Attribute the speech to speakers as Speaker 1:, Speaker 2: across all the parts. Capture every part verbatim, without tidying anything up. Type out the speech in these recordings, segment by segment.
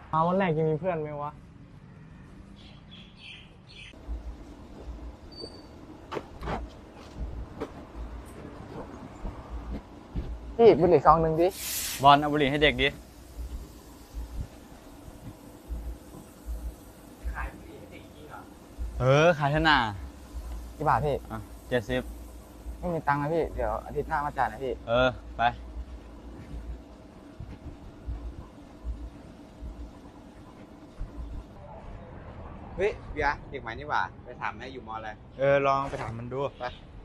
Speaker 1: เอาวันแรกจะมีเพื่อนไหมวะ
Speaker 2: พี่บุหรี่ซองหนึ่งดิ
Speaker 3: บอลเอาบุหรี่ให้เด็กดิขายบุหรี่ให้เด็กจริงเหรอเออขายเท่าน่ะ
Speaker 2: กี่บาทพี่
Speaker 3: อ่ะเจ็ดสิบ
Speaker 2: ไม่มีตังค์นะพี่เดี๋ยวอาทิตย์หน้ามาจ่ายนะพี่
Speaker 3: เออไป
Speaker 4: เฮ้ยเบียร์เด็กใหม่นี่หว่าไปถามแม่อยู่มออะไร
Speaker 3: เออลองไปถามมันดู
Speaker 4: ไป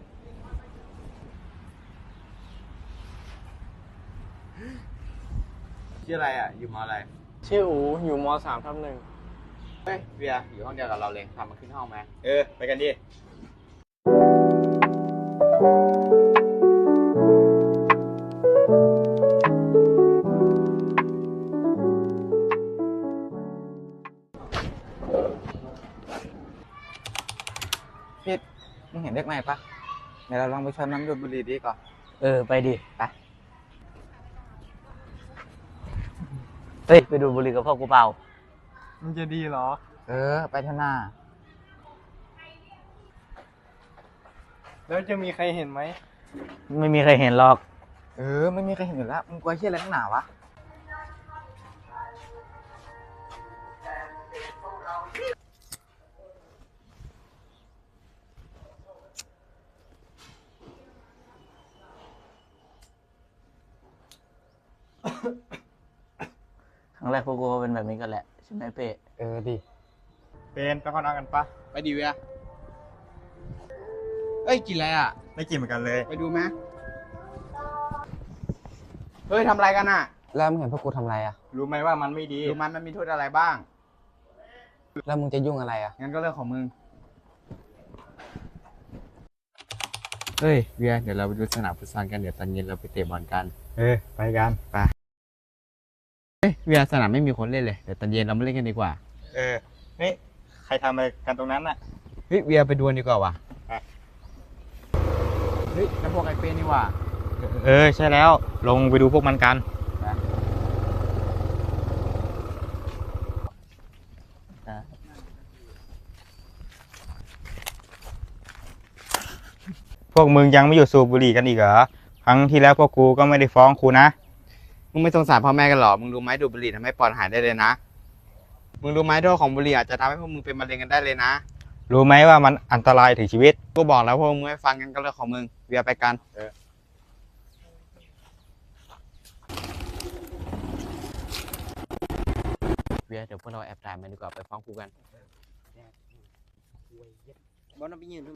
Speaker 4: ชื่ออะไรอ่ะอยู่มออะไร
Speaker 1: ชื่ออูอยู่มสามทับหนึ่ง
Speaker 4: เฮ้ยเบียร์อยู่ห้องเดียวกับเราเลยทำมันขึ้นห้องไหม
Speaker 3: เออไปกันดิ
Speaker 2: พี่มึงเห็นเด็กใหม่ปะเดี๋ยวเราลองไปชวนน้ำดูดบุหรี่ดีก่อน
Speaker 3: เออไปดิ
Speaker 2: ไป
Speaker 3: เฮ้ยไปดูบุหรี่กับพ่อกูเปล่า
Speaker 1: มันจะดีเหรอ
Speaker 2: เออไปเถอะนา
Speaker 1: แล้วจะมีใครเห็นไหม
Speaker 3: ไม่มีใครเห็นหรอก
Speaker 2: เออไม่มีใครเห็นอยู่แล้วมึงกลัวเชี่ยอะไรนักหนาวะ
Speaker 3: ครั้งแรกพวกกูก็เป็นแบบนี้กันแหละใช่ไหมเป้
Speaker 2: เออดิ
Speaker 3: เป็นไปข้างนอกกันปะ
Speaker 4: ไปดีเวียเอ้ยกินอะไรอ่ะ
Speaker 3: ไม่กินเหมือนกันเลย
Speaker 4: ไปดูไหมเฮ้ยทำอะไรกันอ่ะ
Speaker 2: แล้วมึงเห็นพวกกูทำอะไรอ่ะ
Speaker 3: รู้ไหมว่ามันไม่ดี
Speaker 4: ดูมันมันมีโทษอะไรบ้าง
Speaker 2: แล้วมึงจะยุ่งอะไรอ่ะ
Speaker 4: งั้นก็เรื่องของมึงเฮ้ยเวียเดี๋ยวเราไปดูสนามฟุตซอลกันเดี๋ยวตอนเย็นเราไปเตะบอลกัน
Speaker 3: เออไปกัน
Speaker 4: ไปเฮ้ยเวียสนามไม่มีคนเล่นเลยเดี๋ยวตอนเย็นเรามาเล่นกันดีกว่า
Speaker 3: เออเฮ้ยใครทำอะไรกันตรงนั้นน่ะ
Speaker 4: เฮ้ยเวียไปดูดีกว่าว่ะเฮ้ยนั่นพวกไอ้เป้นี่ว่ะ
Speaker 3: เออใช่แล้วลงไปดูพวกมันกันพวกมึงยังไม่หยุดสูบบุหรี่กันอีกเหรอครั้งที่แล้วพวกกูก็ไม่ได้ฟ้องครูนะ
Speaker 4: มึงไม่สงสารพ่อแม่กันหรอมึงรู้ไหมดูดบุหรี่ทำให้ปอดหายได้เลยนะมึงรู้ไหมโทษของบุหรี่อาจจะทำให้พวกมึงเป็นมะเร็งกันได้เลยนะ
Speaker 3: รู้ไหมว่ามันอันตรายถึงชีวิต
Speaker 4: กูบอกแล้วพวกมึงไม่ฟังกันก็เรื่องของมึงเวียไปกันเวียเดี๋ยวพวกเราแอบถ่ายมันดีกว่าไปฟ้องครูกันบอลน้ำไปยืน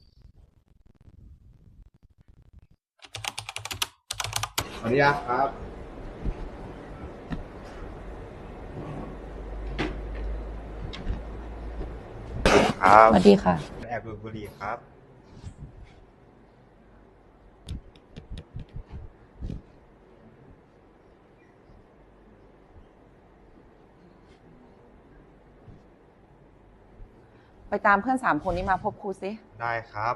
Speaker 4: สวัสดีครับ
Speaker 3: ครับ
Speaker 5: สวัสดีค่ะ
Speaker 3: แอบดูดบุหรี่ครับ
Speaker 5: ไปตามเพื่อนสามคนนี้มาพบครูสิ
Speaker 3: ได้ครับ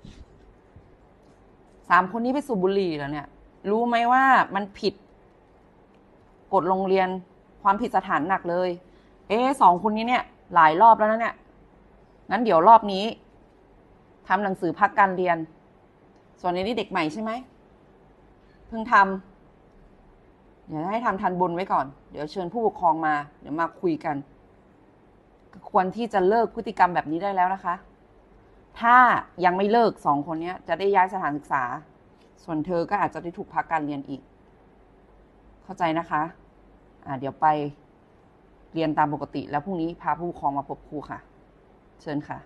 Speaker 5: สามคนนี้ไปสูบบุหรี่แล้วเนี่ยรู้ไหมว่ามันผิดกฎโรงเรียนความผิดสถานหนักเลยเอ๊ะสองคนนี้เนี่ยหลายรอบแล้วนะเนี่ยงั้นเดี๋ยวรอบนี้ทำหนังสือพักการเรียนส่วนนี้เด็กใหม่ใช่ไหมเพิ่งทำเดี๋ยวให้ทำทันบนไว้ก่อนเดี๋ยวเชิญผู้ปกครองมาเดี๋ยวมาคุยกันควรที่จะเลิกพฤติกรรมแบบนี้ได้แล้วนะคะถ้ายังไม่เลิกสองคนนี้จะได้ย้ายสถานศึกษาส่วนเธอก็อาจจะได้ถูกพักการเรียนอีกเข้าใจนะคะอ่าเดี๋ยวไปเรียนตามปกติแล้วพรุ่งนี้พาผู้ปกครองมาพบครูค่ะเชิญค่ะ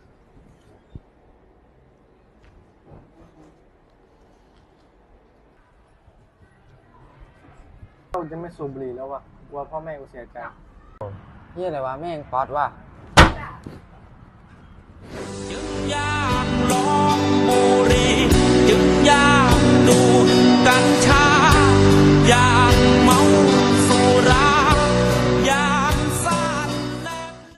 Speaker 1: เราจะไม่สูบบุหรี่แล้ววะกลัวพ่อแม่กูเสียใจ
Speaker 2: เฮียอะไรวะแม่งป๊อตว่ะ
Speaker 6: จึงอยากลองบุหรี่จึงอยากดูดกัญชาอยาก